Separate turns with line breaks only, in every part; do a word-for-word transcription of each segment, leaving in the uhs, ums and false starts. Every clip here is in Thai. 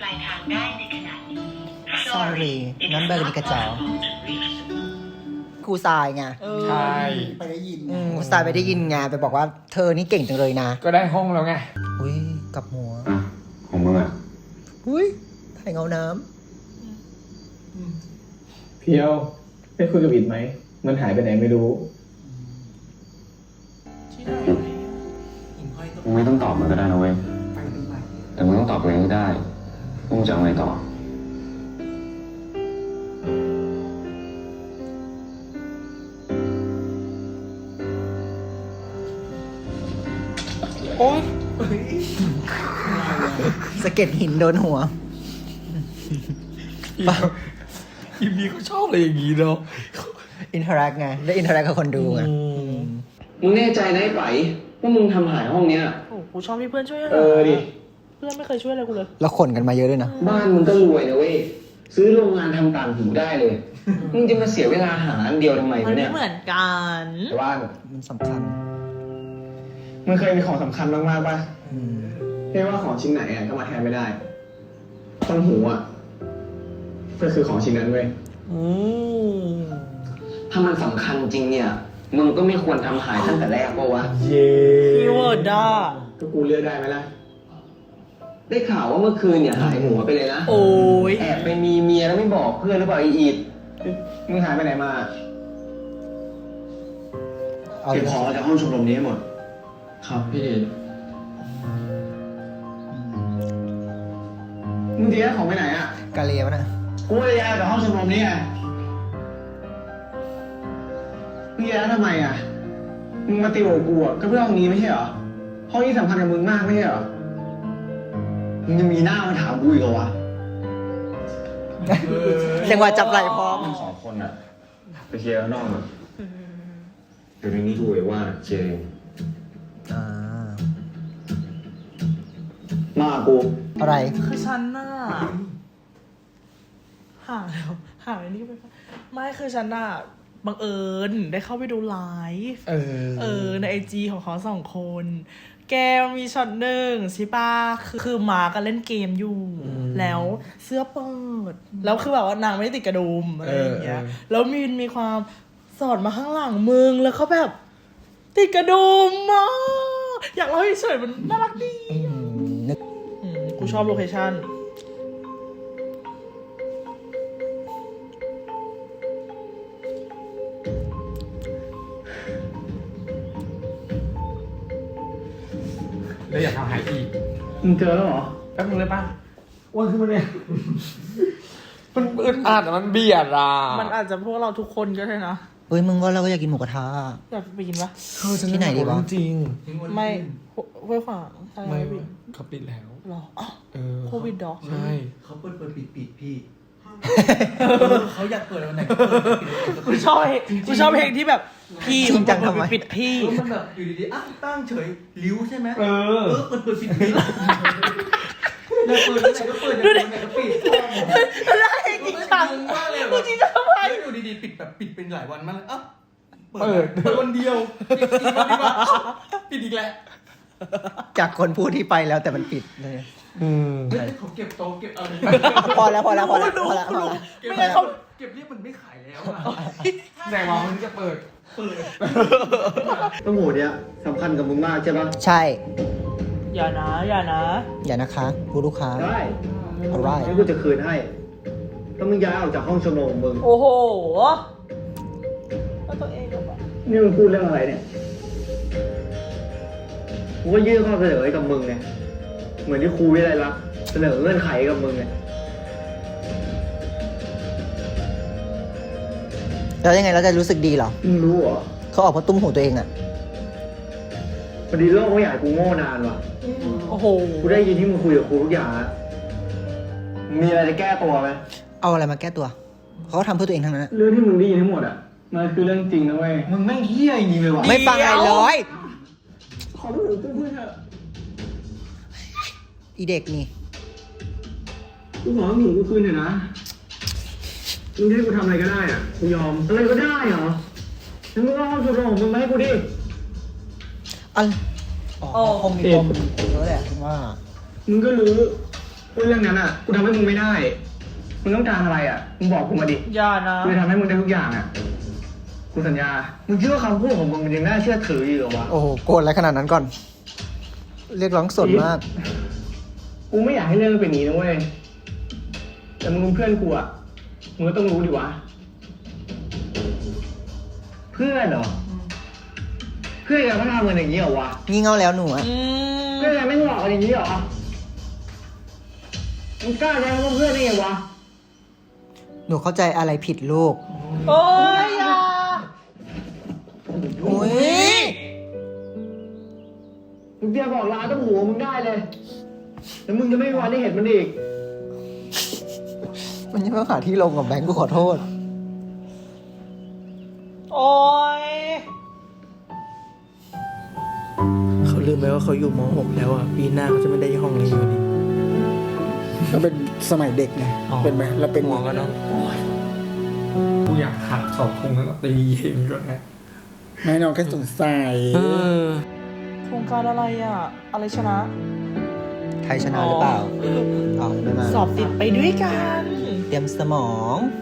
ายทางได้ในขณะนี้
sorry นั่นเบอร์นิกระจอกครูทรายไง
ใช่
ไปได้ยิน
อืมครูทรายไปได้ยินไงไปบอกว่าเธอนี่เก่งจังเลยนะ
ก็ได้ห้องแล้วไง
อุ้ยกลับหัว
อ่ะของมึงอ่ะ
อุ้ยถ่ายเงาน้
เพียวได้คุยกับอิดไหม มันหายไปไหนไม่รู้
มึงไม่ต้องตอบมันก็ได้นะเว้ย แต่มึงต้องตอบตัวเองให้ได้ว่ามึงจะเอาไงต่อ
โอ๊ย
ำสะเก็ดหินโดนหัว
อีมีเขาชอบอะไรอย่างนี้เนาะ
อินเทอร์แอคไงได้อินเทอร์แอคกับคนดูไง
มึงแน่ใจนะไอ้ไปว่ามึงทำหายห้องเนี้ย
โอ้กูชอบที่เพื่อนช่วยหา
เออดิ
เพื่อนไม่เคยช่วยอะไรกูเลย
แล้วขนกันมาเยอะด้วยนะ
บ้านมึงก็รวยนะเว้ย ซื้อโรงงานทำต่างหูได้เลย มึงจะมาเสียเวลาหาอันเดียวทำไม
มัน
วะ
ไม่
เนี่ย
เหมือนกัน
แต่ว่า
มันสำคัญ
มันเคยมีของสำคัญมากๆป่ะ
อืม
ไม่ว่าของชิ้นไหนอ่ะก็มาแทนไม่ได้ ต้นหูอ่ะก็คือของชิ้นนั้นเว้ย
อืม
ถ้ามันสำคัญจริงเนี่ย มึงก็ไม่ควรทำหายตั้งแต่แรกปะวะ
เย้
คีย์เวิร์ดด้า
ก็กูเลือกได้ไหมล่ะ
ได้ข่าวว่าเมื่อคืนเนี่ยหายหัวไปเลยนะ
โอ้ย
แอบไปมีเมียแล้วไม่บอกเพื่อนหรือเปล่าไอ้อีด
มึงหายไปไหนมา
เอา
เก็บของจากห้องชมรมนี้ให้หมด ครับพี่
มึงจะย้ายของไปไหนอ่ะ
กาเลียวะนะ
กูจะย้ายจากห้องชมรมนี้ไงมึงย้ายทำไมอ่ะ มึงมาติวกับกูอ่ะก็เพื่อห้องนี้ไม่ใช่เหรอ ห้องนี้สำคัญกับมึงมากไม่ใช่เหรอ
มึงยังมีหน้ามาถามกูอีกเหรอวะ
จังหวะจับไหล่พร้อม
มึงสองคนอะไปเคลียร์ข้างนอกอะเดี๋ยวในนี้ดูไว้ว่าเจง
อ่า
มากู
อะไร
คือฉันน่ะหาแล้วหาไอ้นี่ไปปะไม่คือฉันน่ะบังเอิญได้เข้าไปดูไลฟ์
เออ
เออในไอจีของเขาสองคน แกมันมีช็อตหนึ่งใช่ปะคือคือมากันเล่นเกมอยู่ แล้วเสื้อเปิด แล้วคือแบบว่านางไม่ได้ติดกระดุมอะไรอย่างเงี้ย
เออเออ
แล้วมีนมีความสอดมาข้างหลังมึงแล้วเขาแบบ ติดกระดุมอ่ะอยากเล่าให้เฉยๆมันน่ารักดี
อืมนึก
อืมกูชอบโลเคชั่น
แล้วอยากทำหายอีก
มึงเจอแล้วเหรอ
แป๊บนึงเลยป่ะอ้วนขึ้นมาเนี่ย มันอึดอัดอะมันเบียดอ่ะ
มันอาจจะพวกเราทุกคนก็ได้นะ
เฮ้ยมึงก็เราก็อยากกินหมูกระทะ
อยากไปกินปะ
เธอจะ
ที่ไหนดีวะ
จริง
ไม่ห้วยขวางอะไร
ไม่
ไม่ปิด
เขาปิดแล้ว
หรออ๋อ
เออ
โควิดดอก
ใช่
เขาเปิดเปิดปิดปิดพี่ เขาอยากเปิดวันไหนก็เปิดปิดวันไหนก็
กู
เปิด
ชอบเพลงกูชอบเพลงที่แบบพี่
จริงจังทำไม
ปิดพี่
เออมันแบบอยู่ดีๆอ่ะตั้งเฉยริ้วใช่ไหม
เออ
เออเปิดเปิดปิดปิดอยากเปิดวันไหนก็เปิดอยากเปิดวันไหนก็ปิด
อะไรจริงจัง
งงมากเลย
กูจริงจังทำไม
แล้วอยู่ดีๆปิดแบบปิดเป็นหลายวันมากเลยเอ้าเปิด
เปิด
เปิดวันเดียวปิดอีกวันดีกว่าเอ้าปิดอีกแล้ว
จากคนพูดที่ไปแล้วแต่มันปิดเลย
อืม
เฮ้ยเขาเก็บโต๊ะเก็บอะไร
พอแล้วพอแล้วพอแล้วพอแล้วพอแล้ว
เก็บ
ไม่งั้นเขา
เก็บเรียบมันไม่ขายแล้วอ่ะ
แต่ว่ามันจะเปิด
เปิด
ต้มหูเนี่ยสำคัญกับมึงมากใช่ปะ
ใช่
อย่านะ อย่านะ
อย่านะคะผู้ลูกค้า
ได้
อะไร
งั้นกูจะคืนให้ ถ้ามึงย้ายออกจากห้องชมรมมึง
โอ้โหแล้วตัวเองก็แบบ
นี่มึงพูดเรื่องอะไรเนี่ย กูก็ยื่นข้อเสนอให้กับมึงไง เหมือนที่ครูวิไลลักษณ์เสนอเงื่อนไขกับมึงไง
แล้วยังไงเราจะรู้สึกดีเหรอ
มึงรู้เหรอ
เขาออกมาตุ้มหูตัวเองอะ
พอดีโลกไม่อยากให้กูโง่นานว่ะ
โอ้โห
กูได้ยินที่มึงคุยกับครูทุกอย่างแล้วมีอะไรจะแก้ตัวไหม
เอาอะไรมาแก้ตัว เขาก็ทำเพื่อตัวเองทั้งนั้นอะ
เรื่องที่มึงได้ยินทั้งหมดอ่ะ มันคือเรื่องจริงนะเว้ย มึงแม่งเฮี้ยจริงๆเลยว่ะ
ไม่ฟังอะไรเลย
ขอพูดถึงเพื่อนๆเถอะ
อีเด็กนี่
กูขอให้หนูกูคืนเถอะนะ มึงให้กูทำอะไรก็ได้อ่ะ กูยอม อะไรก็ได้เหรองั้นมึงก็เอาจุดของมึงมาให้กูดิ
อันอ๋อคงมีปมเยอะแหละว่า
มึงก็รู้ว่าว่าเรื่องนั้นอ่ะ กูทำให้มึงไม่ได้ มึงต้องการอะไรอ่ะ มึงบอกกูมาดิ
อย่านะ
กูจะทำให้มึงได้ทุกอย่างอ่ะ กูสัญญา มึงคิดว่าคำพูดของมึงมันยังน่าเชื่อถืออยู่เหรอวะ
โอ้โห โกรธอะไรขนาดนั้นก่อน เรียกร้องสดมาก
กูไม่อยากให้เรื่องมันเป็นอย่างนี้นะเว้ย แต่มึงเป็นเพื่อนกูอ่ะ มึงก็ต้องรู้ดิวะ เพื่อนเหรอ เพื่อนกันเขาทำกันอย่างนี้เหรอวะ
งี่เง่าแล้วหนูอะ
อืม
เพื่อนกันไม่หลอกกันอย่างนี้เหรอ มึงกล้าใช้คำว่าเพื่อนได้ไงวะ
หนูเข้าใจอะไรผิดลูก
โอ้ยอย่า
โอ้ย
มึงเตรียมบอกลาต้องหัวมึงได้เลย แล้วมึงจะไม่มีวันได้เห็นมันอีก
มันยังไม่หาที่ลงกับแบงค์กูขอโทษ
โอ้ย
เขาลืมไปว่าเขาอยู่ม .หก แล้วอ่ะ ปีหน้าเขาจะไม่ได้ห้องนี้อยู่นี่
ก็เป็นสมัยเด็กไง
อ๋อ
เป็นไหมเราเป็น
หัวก็เนาะกูอยากหักเสาธงแล้วก็ตีเองก่อนนะ
ไม่น้องแค่สงสัย
เออ
โครงการอะไรอ่ะ อะไรชนะ
ใครชนะหรือเปล่าอ๋อไม่มา
สอบติดไปด้วยกัน
เตรียมสมอง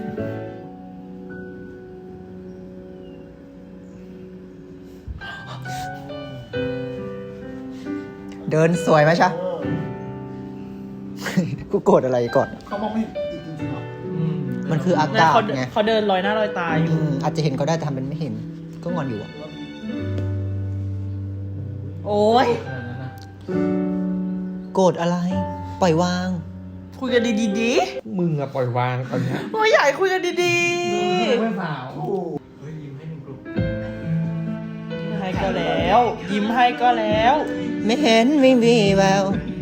เดินสวยไหมชะ กูโกรธอะไรก่อน
เขามองไม่เห็นจริงๆหรอ
มันคืออากาศ
เขา
ไง
เขาเดินลอยหน้าลอยตาอยู่
อืมอาจจะเห็นเขาได้แต่ทำเป็นไม่เห็น ก็งอนอยู่อะ
โอ้ย
โกรธอะไร ปล่อยวาง
คุยกันดีๆดี
มึงอะปล่อยวางตอนเนี้ย
โอ้ยใหญ่คุยกันดี
ไม่สาว
เฮ้ยยิ้มให้หนึ่งกลุ่ม
ๆยิ้มให้ก็แล้ว ยิ้มให้ก็แล้ว
ไม่เห็นไม่มีแวว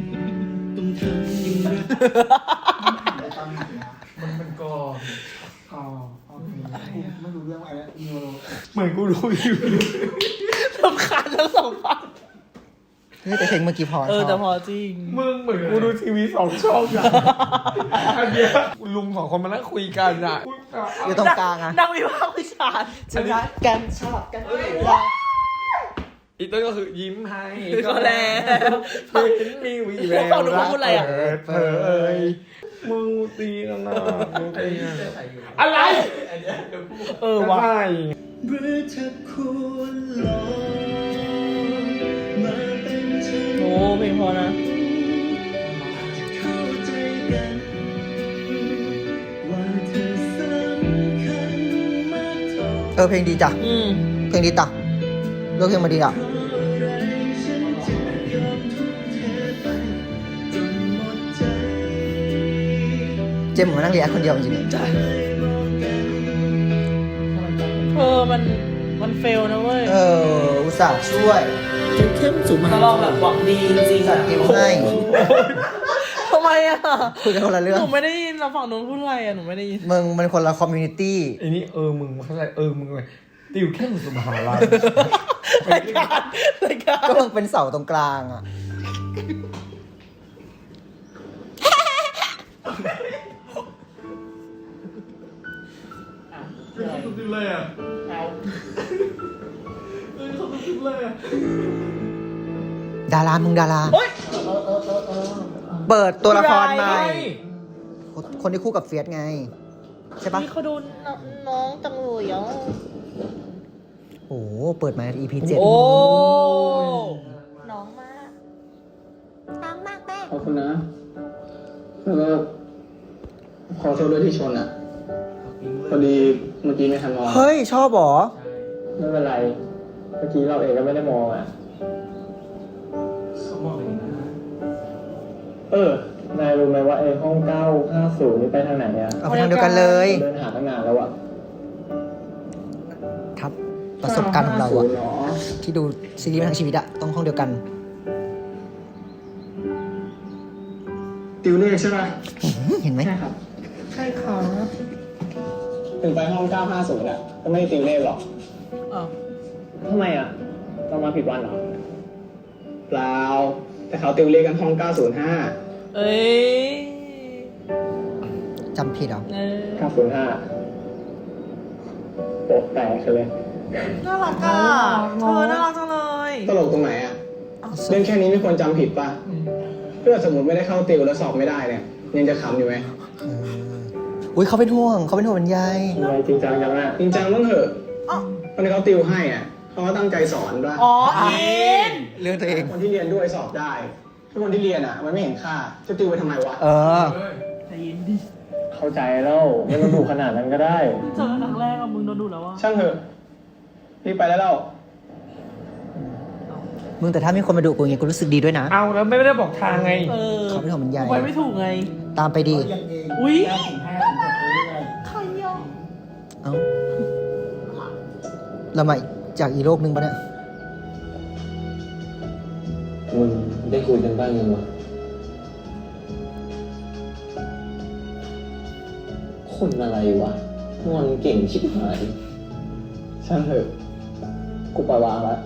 มันเป็นกอ
อ๋อโอเคไม่รู้เรื่องอะไรนิวโร
เหมือนกูรู้อยู่
รำคาญทั้งสองฝั่ง
เฮ้ยแต่เพลงเมื่อกี้พอ
เออ
ชบ
แต่พอจริง
มึงเหมือนกูดูทีวีสองช่องอะอันเนี้ยลุงสองคนมานั่งคุยกันอะ
อยู่ตรงกลางอะ
นั่งวิพากษ์วิจารณ์
ชนะกันชอบกัน
อีกต้นก็คือยิ้มให้
ก็แล้ว
เห็นมีวีแวว
ฟังดูเขาพูดอะไรอะ
เปิดเผยมึงตีกันนะมึงตีกันอะไร
เออวะ
ใช่
โอ้เพลงพอนะ
เออเพลงดีจ้ะ
อืม
เพลงดีจ้ะเลือกเพลงมาดีอ่ะ เจมส์เหมือนมานั่งเรียนคนเดียวจริงๆ
เออมันมันเฟลนะเว้ย
เออ อุตส่าห์ช่วย
เข้มสูงมา
แต่เราแบบหวังดีจริงๆ
สั
อะ
ตว์เกมให้
ทำไมอะ
คุยกันคนละเรื่อง
หนูไม่ได้ยินเราฝั่งนู้นพูดอะไรอะหนูไม่ได้ยิน
มึงมันคนละคอมมูนิตี้
ไอ้นี่เออมึงเข้าใจเออมึงเลยติวแค่มึงสมหาลัย
รายการรายการ
ก็มึงเป็นเสาตรงกลางอ่ะ
สุดเลยอ่ะ
ดารา มึงดารา
โอ๊ย
เปิดตัวละครใหม่
ไม่
คนที่คู่กับเฟียสไง ใช่ปะ
นี่เขาดูน้องจังเลยอ่ะ
โอ้โหเปิดมา อี พี เจ็ด
โอ้น้องมาก
ขอบคุณนะแล้วก็ขอโทษด้วยที่ชนอ่ะ พอดีเมื่อกี้ไม่ทันมอง
เฮ้ย ชอบเหรอ
ไม่เป็นไร เมื่อกี้เราเองก็ไม่ได้มองอ่ะ
เขามองเลยนะ
เออ นายรู้ไหมว่าไอ้ห้องเก้าห้าศูนย์นี่ไปทางไหนอ่ะ
เอาไปทางเดียวกันเลย
เดินหาตั้งนานแล้วอ่ะ
ครับ ประสบการณ์ของเราอะ
เนาะ
ที่ดูซีรีส์มาทั้งชีวิตอะต้องห้องเดียวกัน
ติวเลขใช่ไหม
เห็นไหม
ใช่ครับ
ใช่ค่ะ
ถึงไปห้องเก้าห้าศูนย์อ่ะ ก็ไม่ได้ติวเลขหรอก
อ้าว
ทำไมอ่ะ เรามาผิดวันเหรอ เปล่า แต่เขาติวเลขกันห้องเก้าศูนย์ห้า
เอ้ย
จำผิดเหรอ
เออ
เก้าศูนย์ห้าโปะแตกเลย
น่ารักอ่ะเธอน่ารักจังเลย
ตลกตรงไหนอ่ะ เรื่องแค่นี้ไม่ควรจำผิดป่ะ
เ
ถ้าสมมติไม่ได้เข้าติวแล้วสอบไม่ได้เนี่ยยังจะขำอยู่ไหม
เอออุ้ยเขาเป็นห่วงเขาเป็นห่วงเป็นใย
ทำไมจริงจังจังอะจริงจังบ้างเถอะ
อ๋อ
คนที่เขาติวให้อ่ะเขาก็ตั้งใจสอนด้วย
อ๋ออิน
เรื่องตัวเอง
คนที่เรียนด้วยสอบได้ถ้าคนที่เรียนอ่ะ มันไม่เห็นค่าจะติวไปทำไมวะ
เออ
ใจเย็นดิ
เข้าใจแล้วไม่ต้องดูขนาดนั้นก็ได้
เจอกันครั้งแรกอะมึงโดนดูแล้วว่า
ช่างเถอะพี่ไปแล้วเรา
มึงแต่ถ้ามีคนมาดูกูอย่างเงี้ยกูรู้สึกดีด้วยนะ
เอาแล้วไม่ได้บอกทางไง
เออ
เขาเป็นห่วงเป็นใย
ไปไม่ถูกไง
ตามไปดี
ยังเอง
อุ๊ย
แก้ถึงห้าถึงหกเรื่อย
ใครอ่ะ
เอ้าเรามาจากอีกโลกหนึ่งปะเนี่ย
มึงได้คุยกันบ้างยังวะคนอะไรวะงอนเก่งชิบหาย
ช่างเถอะกูปล่อยวางแล้ว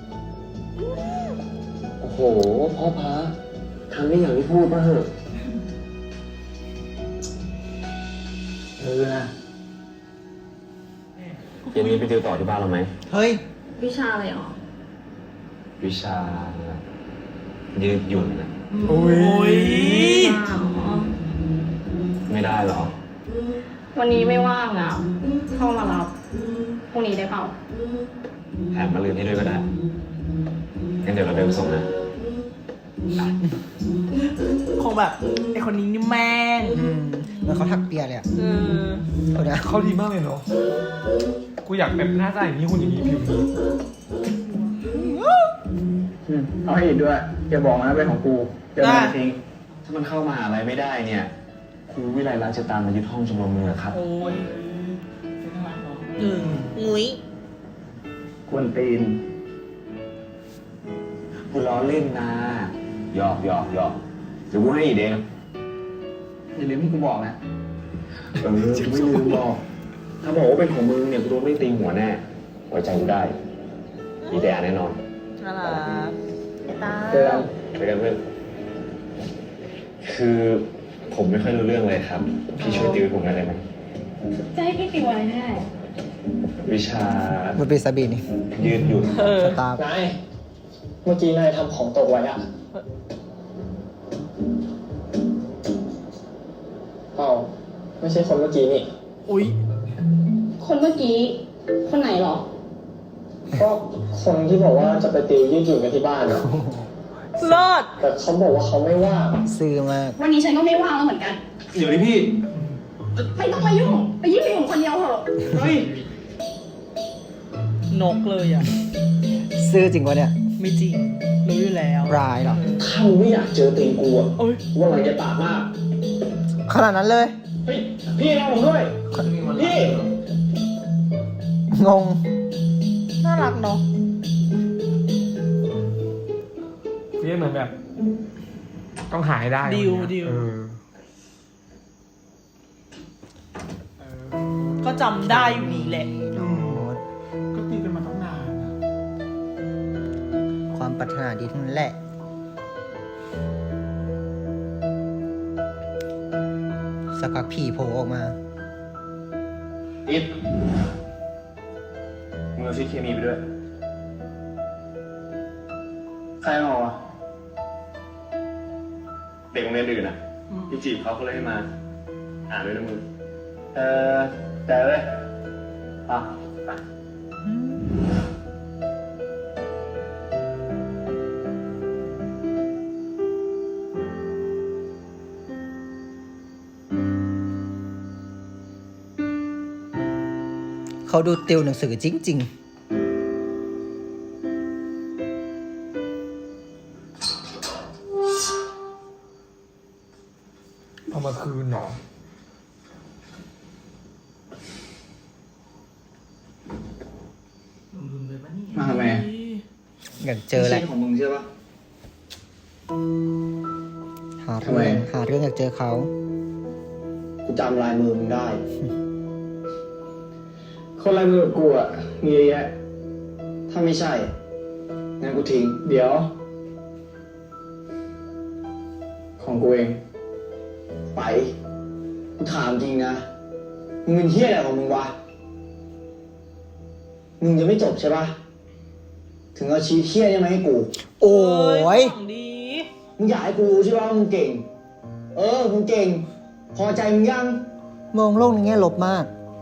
โอ้โห พ่อพระทำได้อย่างที่พูดป่ะเหอะ
เออนะ
เย็นนี้ไปติวต่อที่บ้านเราไหม
เฮ้ย
วิชาอะไรหรอ
วิชา ยืดหยุ่นนะ
อุ้ย
อ๋อ
ไม่ได้หรอ
วันนี้ไม่ว่างอ่ะ เข้ามารับ พรุ่งนี้ได้เปล่า
แถมมาลืนให้ด้วยก็ได้ งั้นเดี๋ยวเราเดินไปส่งนะ
คงแบบไอคนนี้นี่แม่ง
อืมเหมือนเขาทักเปียเลยอ่ะ
เออ
เอาเนี่ย
เขาดีมากเลยเนาะ กูอยากแบบหน้าตาอย่างนี้คุณอย่างนี้ผิวนี้
อืมเอาให้อีกด้วยอย่าบอกนะเป็นของกูเดี๋ยวมันจะทิ้ง
ถ้ามันเข้ามหาอะไรไม่ได้เนี่ย ครูวิไลรักษ์จะตามมายึดห้องชมรมเมืองครับ
โอ้ยเอองุ้ย
กวนตีน
กูล้อเล่นนะหยอกหยอกหยอกเดี๋ยวกูให้อีกเอง
อย่าลืมที่กูบอกนะ
เออไม่ลืมบอก ถ้าบอกว่าเป็นของมึงเนี่ยกูโดนไม่ตีหัวแน่ ไว้ใจกูได้ มีแต่แน่นอน
น่ารักไอ้ตา
เจอกัน
ไปกันเพื่อนคือผมไม่ค่อยรู้เรื่องเลยครับ พี่ช่วยติวให้ผมได้ไหม
จะให้พี่ติวอะไรแน่
วิชา
มันเป็นซาบีนี่
ยืดหยุ่น
เออ
สตาร์
นาย เมื่อกี้นายทำของตกไว้อะเปล่าไม่ใช่คนเมื่อกี้นี่
อุ๊ย
คนเมื่อกี้ คนไหนหรอ
ก็คนที่บอกว่าจะไปติวยืดหยุ่นกันที่บ้านอะ
เลิศ
แต่เขาบอกว่าเขาไม่ว่าง
ซื้อมาก
วันนี้ฉันก็ไม่ว่างแล้วเหมือนกัน
เดี๋ยวนี้พี่
ไม่ต้องมายุ่ง ไปยืดหยุ่นคนเดียวเถอะ
เฮ้ย
นกเลยอ่ะ
ซื้อจริงวะเนี่ย
ไม่จริง รู้อยู่แล้ว
ร้ายเหรอ
ถ้ามึงไม่อยากเจอตีนกูอะ
โอ้ย
ว่ามันจะปากมาก
ขนาดนั้นเลย
เฮ้ย พี่รอผมด้วย พี่
งง
น่ารักเนาะ
เรียกเหมือนแบบ ต้องหายได้
ดิว
วัน
ดิ
เนี้ยว เออ
ก็จำได้อยู่นี่แหละ
ก็ตีกันมาตั้งนานนะ
ความปรารถนาดีทั้งนั้นแหละ สักพักผีโผล่ออกมา
อิดมึงเอาชีทเคมีไปด้วย
ใครมาวะ
เด็กโรงเรียนอื่นอ่ะพี่จีบเขาเขาเลยให้มา อ่านด้วยนะมึง
เออแต่เลยอ่ะ
ไป
เขาดูติวหนังสือจริง
เอามาคืนเหรอ
มาทำไม
ๆ อยากเจอแหละ
ไม่ใช่ของมึงใช่ปะ
หา
ทำไม
เรื่องหาเรื่องอยากเจอเขา
กูจำลายมือมึงได้ คนลายมือกับกูอ่ะ มีเยอะแยะ ถ้าไม่ใช่ งั้นกูทิ้ง เดี๋ยว ของกูเอง ไป กูถามจริงนะ มึงเป็นเฮี้ยอะไรของมึงวะ มึงจะไม่จบใช่ปะถึงเอาชีวิตเฮี้ยเนี่ยมาให้กู
โอ้ย
ของดี
มึงอยากให้กูรู้ใช่ไหมว่ามึงเก่ง เออ มึงเก่ง พอใจมึงยัง
มองโลกในแง่ลบมาก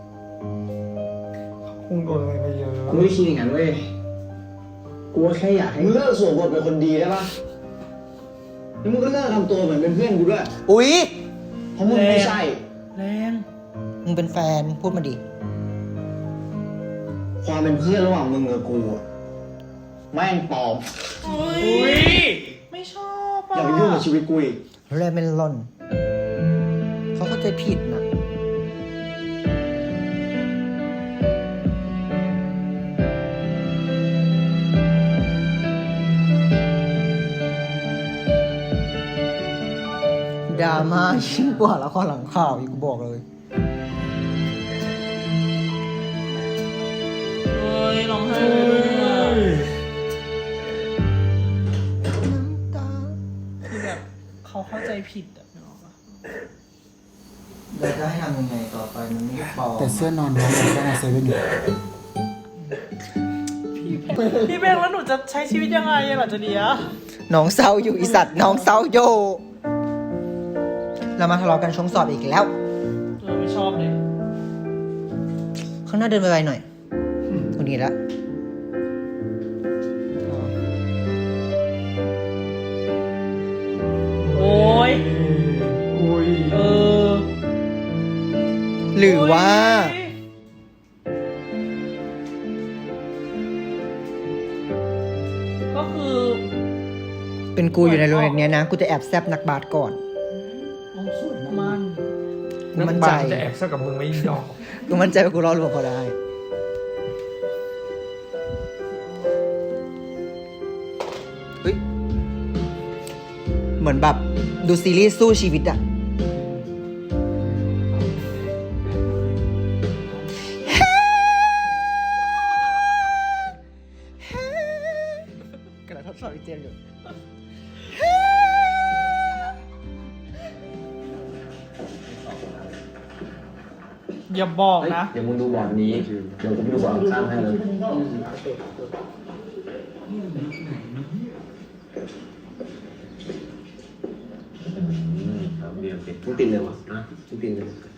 คงโดนอะไรมาเยอะ
กูไม่ได้คิดอย่างนั้นเว้ย กูแค่อยากให้มึงเลิกสวมบทเป็นคนดีได้ปะแล้วมึงก็เลิกทำตัวเหมือนเป็นเพื่อนกูด้วย
อุ๊ย
เพราะมึงไม่ใช่
แรง
มึงเป็นแฟนพูดมาดิ
ความเป็นเพื่อนระหว่างมึงกับกูอะแม่งปลอม
อุ้ยไม่ชอบ
อ
อ่ะ
ย่าไปยุ่งกับชีวิตกูอีก
แรเมนลอน เขาเข้าใจผิดนะดราม่ายิ่งกว่าละครหลังข่าวอีกกูบอกเลย
เฮ้ยร้องไห้เลยด้วยอ่ะคือแบบเขาเข้าใจผิดอ่ะนึกออกปะ
เราจะให้ทำยังไงต่อไปมันไม่พอ
แต่เสื้อนอนน้องมันก็มาเซเว่นอยู่
พี่เบงแล้วหนูจะใช้ชีวิตยังไงอะหลังจากเนี้ย
น้องเศร้าอยู่อีสัตว์น้องเศร้าโยเรามาทะเลาะกันช่วงสอบอีกแล้ว
เออไม่ชอบเลย
ข้างหน้าเดินไปไวๆหน่อยคนนี้ละ
โอ้ย
อุ้ย
เออ
หรือว่า
ก็คือ
เป็นกูอยู่ในโรงเรียนเนี้ยนะ กูจะแอบแซบนักบาสก่อน
มัน
กูมั่นใจ
จะแอบซะกับมึงไม่ยอม
กูมั่นใจว่ากูรอดลวงเขาได้ เฮ้ย เหมือนแบบดูซีรีส์สู้ชีวิตอะกระทดสอบอีเจนอยู่
อย่าบอกนะ
เดี๋ยวมึงดูบอร์ดนี้ เดี๋ยวกูไปดูบอร์ดข้างให้เลย มึงติดเลยวะนะมึงติดเลย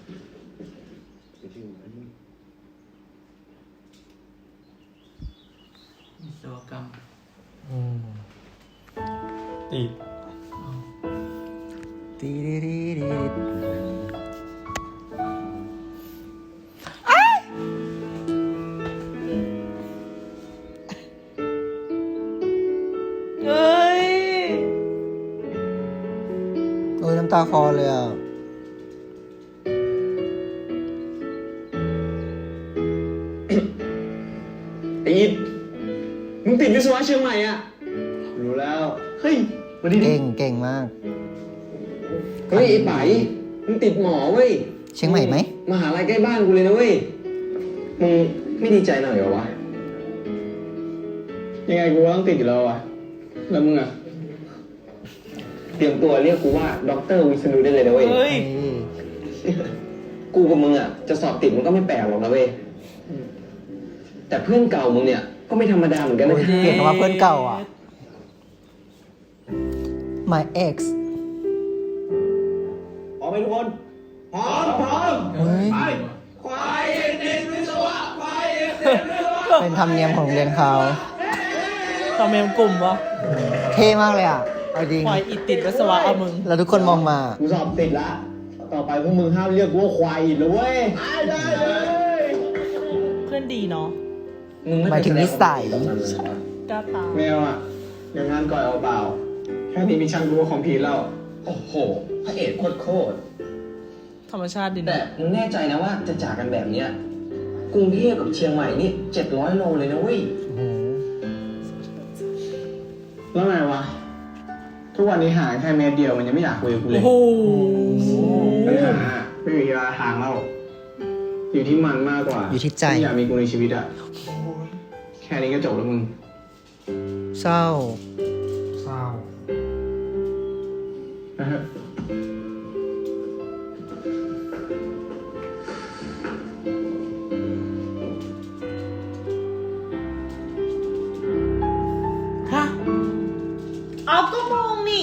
วิศวกรรม
อืมติด
ตีดีดีดี
เอ้ย
โอ้ยน้ำตาคลอเลยอ่ะ
ไอ้อิดมึงติดวิศวะเชียงใหม่อ่ะ รู้แล้ว เฮ้ยมาดีดิ
เก่งเก่งมาก
เฮ้ยไอ้ไป๋มึงติดหมอเว้ย
เชียงใหม่ไหม
มหาลัยใกล้บ้านกูเลยนะเว้ย มึงไม่ดีใจหน่อยเหรอวะ ยังไงกูก็ต้องติดอยู่แล้ววะ แล้วมึงอ่ะ เตรียมตัวเรียกกูว่าด็อกเตอร์วิษณุได้เลยนะเว้ย
เฮ้ย
กูกับมึงอ่ะจะสอบติดมันก็ไม่แปลกหรอกนะเว้ย แต่เพื่อนเก่ามึงเนี่ยก็ไม่ธรรมดาเหมือนกันนะ
โอ้ย เปลี่ยนคำว่าเพื่อนเก่าอ่ะ my ex
พร้อมไหมทุกคน พร้อม พร้อม
เฮ้ย
ไปควายเอ็นเอ็นวิศวะควายเอ็นเอ็นวิศวะ
เป็นธรรมเนียมของโรงเรียนเขา
ตอมเมมกลุ่มวะ
เท่มากเลยอ่ะ เอาจริง
ปล่อยอิดติดวิศวะเอามึง
แล้วทุกคนมองมา
กูสอบติดละ ต่อไปพวกมึงห้ามเรียกกูว่าควายอีกนะเว้ยได้ได้เลย
เพื่อนดีเนาะ
หมายถึงนิสัย
กล้าตาม
แมวอ่ะอย่างงานก่อยเอาเปล่า แค่นี้มีช่างรู้ว่าของผีแล้ว
โอ้โห พระเอกโคตรโคตร
ธรรมชาติดี
แต่
นะ
มึงแน่ใจนะว่าจะจากกันแบบเนี้ยกรุงเทพกับเชียงใหม่นี่เจ็ดร้อยโลเลยนะเว้ย
โอ้โห
แล้วไงวะ ทุกวันนี้ห่างแค่เมตรเดียวมันยังไม่อยากคุยกับกูเล
โอ้
ย
โห
ปัญหาไม่มีเวลาทางเล่าอยู่ที่มันมากกว่า
อยู่ที่ใจ
อยากมีกูในชีวิตอะแค่นี้ก็จบแล้วมึง
เศร้า
เศร้า
นะฮะ
ฮะ เอาก็มองนี่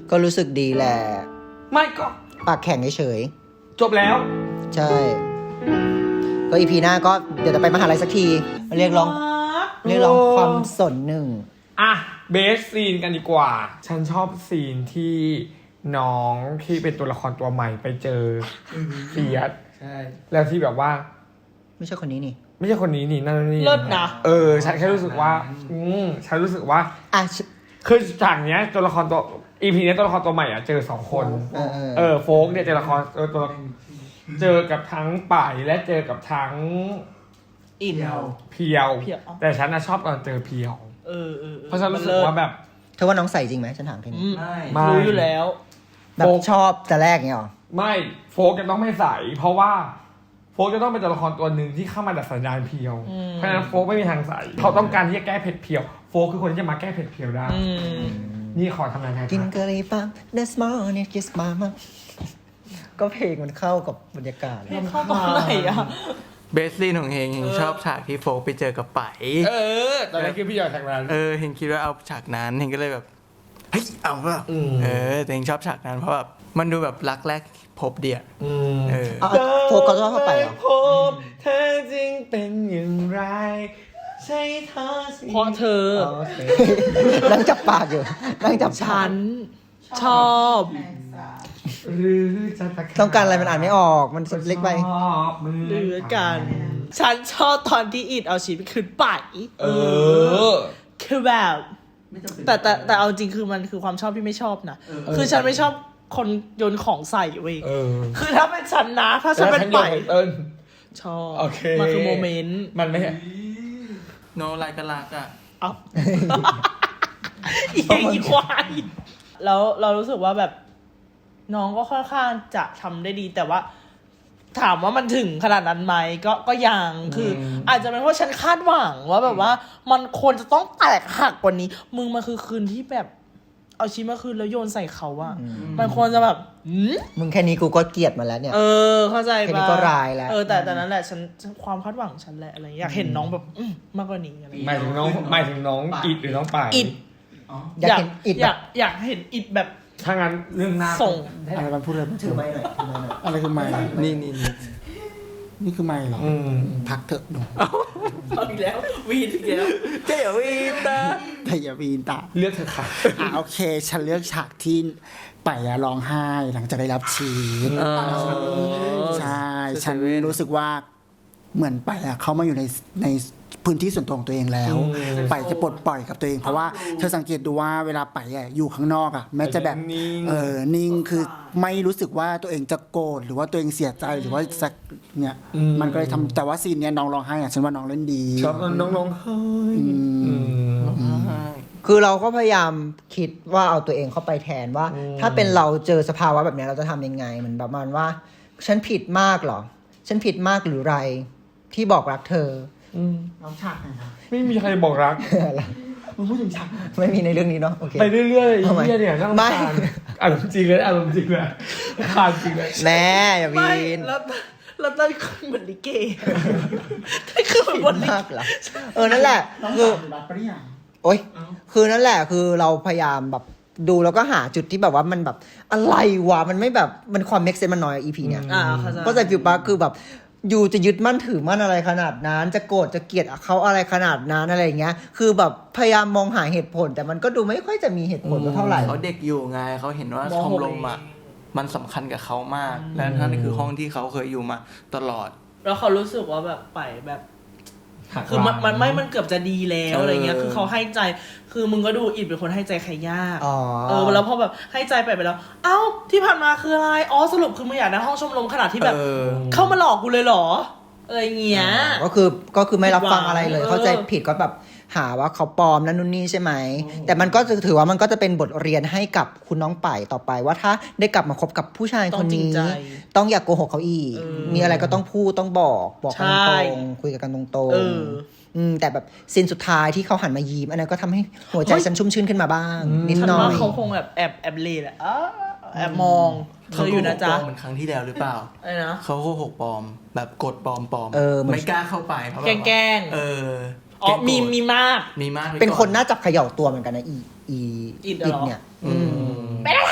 ก็รู้สึกดีแหละ
ไม่ก็
ปากแข็งเฉย
จบแล้ว
ๆใช่ ก็อีพีหน้าก็เดี๋ยวจะไปมหาลัยสักทีเรียกร้องเรียกร้องความสนหนึ่ง
อ่ะเบสซีนกันดีกว่า ฉันชอบซีนที่น้องที่เป็นตัวละครตัวใหม่ไปเจอเฟียส
ใช่
แล้วที่แบบว่า
ไม่ใช่คนนี้นี่
ไม่ใช่คนนี้นี่นั่นนี่
เลิศนะ
เออฉันแค่รู้สึกว่า อืมฉันรู้สึกว่า
อ่ะ
คือฉากเนี้ยตัวละครตัวอีพีนี้ตัวละครตัวใหม่อ่ะเจอสองคน
เออเออ
เออโฟกเนี่ยเจอละครเออตัวละเจอกับทั้งป่ายและเจอกับทั้ง
อิน
เพียว
เพียว
แต่ฉันน่ะชอบตอนเจอเพียว
เออเออ
เพราะฉันรู้สึกว่าแบบ
เธอว่าน้องใส่จริงไหมฉันถามแค่นี้
อืม
ไม่
ไม่
รู้อยู่แล้ว
แบบชอบแต่แรกเงี้ยหรอ
ไม่โฟกจะต้องไม่ใสเพราะว่าโฟกจะต้องเป็นตัวละครตัวหนึ่งที่เข้ามาดัดสันดานเพียว
อืม
เพราะฉะนั้นโฟกไม่มีทางใสเขาต้องการที่จะแก้เผ็ดเพียวโฟกคือคนที่จะมาแก้เผ็ดเพียวได้
อืม
นี่ขอทำนายไง
กิน
ครับ
กะหรี่ปั๊บ This morning kiss mama ก็เพลงมันเข้ากับบรรยากาศ
เรียนเข้าตอนไหนอ่ะ
เบสซีนของเฮงเฮงชอบฉากที่โฟกไปเจอกับไป
เออตอนนั้นคือพี่ยอดจากนั้น
เออเฮงคิดว่าเอาฉากนั้นเฮงก็เลยแบบเฮ้ยเอาเปล่า
อืม
เออแต่เฮงชอบฉากนั้นเพราะแบบมันดูแบบรักแรกพบเดีย
อืม
เออ
เอาโฟกัสชอบเข้าไปเหรอ
พบเธอจริงเป็นอย่างไรใช่เธอสิ
เพราะเธอ
โอเคนั่งจับปากอยู่นั่งจับปา
ฉั
ก
นชอบ
หรือจะตะค
ต้องการอะไรมันอ่านไม่ออกมันเล็กไป
ชอบมือ
หรือกัน ฉันชอบตอนที่อิดเอาชีวิตคืนไป
เออ
คือแบบ
ไม่จำเป็น
แต่แต่แต่เอาจริงคือมันคือความชอบที่ไม่ชอบนะ คือฉันไม่ชอบคนโยนของใส่เว้ย
เออ
คือถ้าเป็นฉันนะ ถ้าฉันเป็นไป
เอิญ
ชอบ
โอเค
มันคือโมเมนต์
มันไม่
โนอะไรก็รักอ่ะ
เอ้าอีกอีควายแล้วเรารู้สึกว่าแบบ น้องก็ค่อนข้างจะทำได้ดี แต่ว่า ถามว่ามันถึงขนาดนั้นไหมก็ก็ยังคือออาจจะเป็นเพราะฉันคาดหวังว่าแบบว่า มันควรจะต้องแตกหักกว่านี้ มึงมันคือคืนที่แบบ เอาชีวิตมาคืนแล้วโยนใส่เขาอะมันควรจะแบบหืม
มึงแค่นี้กูก็เกลียดมาแล้วเนี่ย
เออ เข้าใจ
แค่นี้
ปะ
ก็ร้ายแล้ว
เออแต่แต่นั้นแหละฉันฉันความคาดหวังฉันแหละอะไรอย่างเงี้ยอยากเห็นน้องแบบอืมมากกว่านี้อะไรอย่าง
หมา
เงี้ย
ยถึงน้องหมายถึงน้องอิดหรือน้องป่าย
อิด
อ๋อ
อยากเห็นอิด
อ
แบ
ยา
บ
กอยากเห็นอิดแบบ
ถ้างั้นเรื่องหน้า
ส่ง
อะไรมันพูดอะไรมันถือไม้หน่อยถือไม้หน่อยอะไรคือไม้
นี่นี่นี่
นี่คือไม้เหรอ
อืม
พักเถอะหนู
เอาอีกแล้ววีนอีกแล้ว
เจ๋วีตา
แต่อย่าวีนตา
เลือกเธอะค่ะ
อ่ะโอเค ฉันเลือกฉากที่ไปอะร้องไห้หลังจากได้รับชีสใช่ ฉันรู้สึกว่าเหมือนไปอะเขามาอยู่ในในพื้นที่ส่วนตัวของตัวเองแล้ว ไปจะปลดปล่อยกับตัวเอง เพราะว่าเธอสังเกตดูว่าเวลาไปอะอยู่ข้างนอกอะแม้จะแบบ
นิ่ง
เออนิ่งคือไม่รู้สึกว่าตัวเองจะโกรธหรือว่าตัวเองเสียใจหรือว่าสักเนี่ยมันก็เลยทำแต่ว่าซีนเนี้ยน้องร้องไห้อะฉันว่าน้องเล่นดี
ชอบน้องน้องๆเฮ้ย
อืม
อืม
คือเราก็พยายามคิดว่าเอาตัวเองเข้าไปแทนว่า ถ้าเป็นเราเจอสภาวะแบบเนี้ยเราจะทำยังไงเหมือนประมาณว่า ฉันผิดมากเหรอ ฉันผิดมากหรือไร ที่บอกรักเธอ
อืม
น้องฉากไหนนะ
ไม่มีใครบอกรัก
มึงพูดถึงฉาก
ไม่มีในเรื่องนี้เนาะโอเค
ไปเรื่อยๆ
ทำไม
ไอ้เหี้ยเนี่ยนั่ง
ไม่
ทานอารมณ์จริงเลยอารมณ์จริงเลยขาดจริงเลย
แน่อย่า
ไม่
วีน
แล้วแล้วนั่นคือเหมือนลิเกนั่นคือเหมือน
ผิด
บนลิ
มาก
เก
เหรอเออนั่นแหละ
น้อง
คือ
สาวอยู่บัตรปะเนี่ย
โอ๊ยคือนั่นแหละคือเราพยายามแบบดูแล้วก็หาจุดที่แบบว่ามันแบบอะไรวะมันไม่แบบมันความเม็กเซนมันน้อยอีพีเนี่ย
อ่าเข้าใจ
ก็ใจฟิวปะคือแบบอยู่จะยึดมั่นถือมั่นอะไรขนาดนั้น จะโกรธจะเกลียดเขาอะไรขนาดนั้นอะไรอย่างเงี้ย คือแบบพยายามมองหาเหตุผล แต่มันก็ดูไม่ค่อยจะมีเหตุผลเท่าไหร่
เขาเด็กอยู่ไงเขาเห็นว่าชมรมอ่ะมันสำคัญกับเขามาก และนั่นคือห้องที่เขาเคยอยู่มาตลอด
แล้วเขารู้สึกว่าแบบไปแบบ
หัก
คือมัน
หลัง
มันไม่มันเกือบจะดีแล้ว
เอออ
อะไรเงี้ย คือเขาให้ใจ คือมึงก็ดูอิดเป็นคนให้ใจใครยาก
อ๋อ
เออ แล้วพอแบบให้ใจไปไปแล้ว เอ้า ที่ผ่านมาคืออะไร อ๋อ สรุปคือมึงอยากได้ห้องชมรมขนาดที่แบบ
เออ
เข้ามาหลอกกูเลยเหรอ อะไรเงี้ย
ก็คือก็คือไม่รับฟังอะไรเลย
เออ
เข้าใจผิดก็แบบหาว่าเขาปลอมนั่นนู่นนี่ใช่ไหม แต่มันก็จะถือว่ามันก็จะเป็นบทเรียนให้กับคุณน้องป่ายต่อไปว่าถ้าได้กลับมาคบกับผู้ชายคนนี้ ต้องอย่ากโกหกเขาอีก
เออ
มีอะไรก็ต้องพูดต้องบอกบอกกัน
ใช่
ตรงๆคุยกันตรง
เออ
ๆมแต่แบบซีนสุดท้ายที่เขาหันมายิ้มอันนั้นก็ทำให้หัวใจฉันชุ่มชื่นขึ้นมาบ้าง นิด
ฉัน
หน่อ
ว่าย เขาคงแบบแอบแอบเลดอะอ้าแอบมองเธ
เขา
อ
โก
อยู่
ห
นะ
กป
จ๊ะ
ลอมเหมือนครั้งที่แล้วหรือเปล่า
อะไรนะ
เขาโกหกปลอมแบบกดปลอมปลอม
เออเหมือน
ไม่กล้าเข้าไปเพราะแบบว่า
แกล้งๆ
เออ
อ๋อ มี
แกล้งโกรธ
มีมาก
มีมากไว้
เป็นคน
ก่อ
น่าจับเขย่าตัวเหมือนกันนะอีอี
อิดเหรอ
เนี่ย
อืม
เป็นอะไร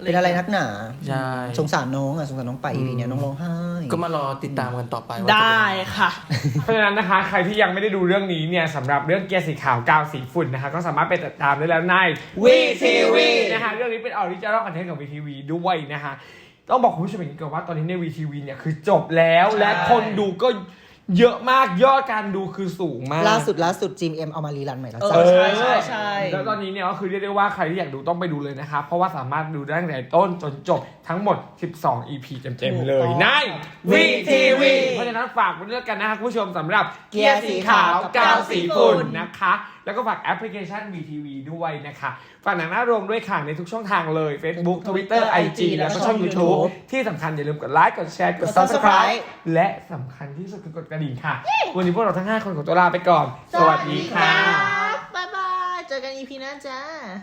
เป็นอะไรนักหนา
ใช่
สงสารน้องอ่ะสงสารน้องไป อี พี เนี้ยน้องร้องไห้
ก็มารอติดตามกันต่อไปว่าจะเป็น
ได้
ยังไง
ค่ะ
เพราะฉะนั้นนะคะใครที่ยังไม่ได้ดูเรื่องนี้เนี่ยสำหรับเรื่องเกียร์สีขาวกาวสีฝุ่นนะคะก็สามารถไปติดตามได้แล้วใน วี ที วี นะคะเรื่องนี้เป็นออริจินอลคอนเทนต์ของ วี ที วี ด้วยนะคะต้องบอกคุณผู้ชมอย่างนี้ก่อนว่าตอนนี้ใน วี ที วี เนี่ยคือจบแล้วและคนดูก็เยอะมากยอดการดูคือสูงมาก
ล่าสุดล่าสุดจีมเอ็มเอามารีรันใหม่แล้ว
เอ
จ้ะ
อใช่ใช่ใช่
แล้วตอนนี้เนี่ยก็คือเรียกได้ว่าใครที่อยากดูต้องไปดูเลยนะครับ เพราะว่าสามารถดูได้ตั้งแต่ต้นจนจบทั้งหมด สิบสอง อี พี เต็มๆเลยใน วี ที วี เพราะฉะนั้นฝากไว้ด้วยกันนะครับคุณผู้ชมสำหรับเกียร์สีขาวกาวสีฝุ่นนะคะ แล้วก็ฝากแอปพลิเคชัน วี ที วี ด้วยนะคะฝากหนังหน้าโรงด้วยค่ะในทุกช่องทางเลย Facebook Twitter ไอ จี แล้วก็ช่อง YouTube ที่สำคัญอย่าลืมกดไลค์กดแชร์กด Subscribe และสำคัญที่สุดคือกดกระดิ่งค่ะ วันนี้พวกเราทั้งห้าคนขอตัวลาไปก่อน สวัสดีค่ะ
บ๊ายบายเจอกัน อี พี หน้าจ้า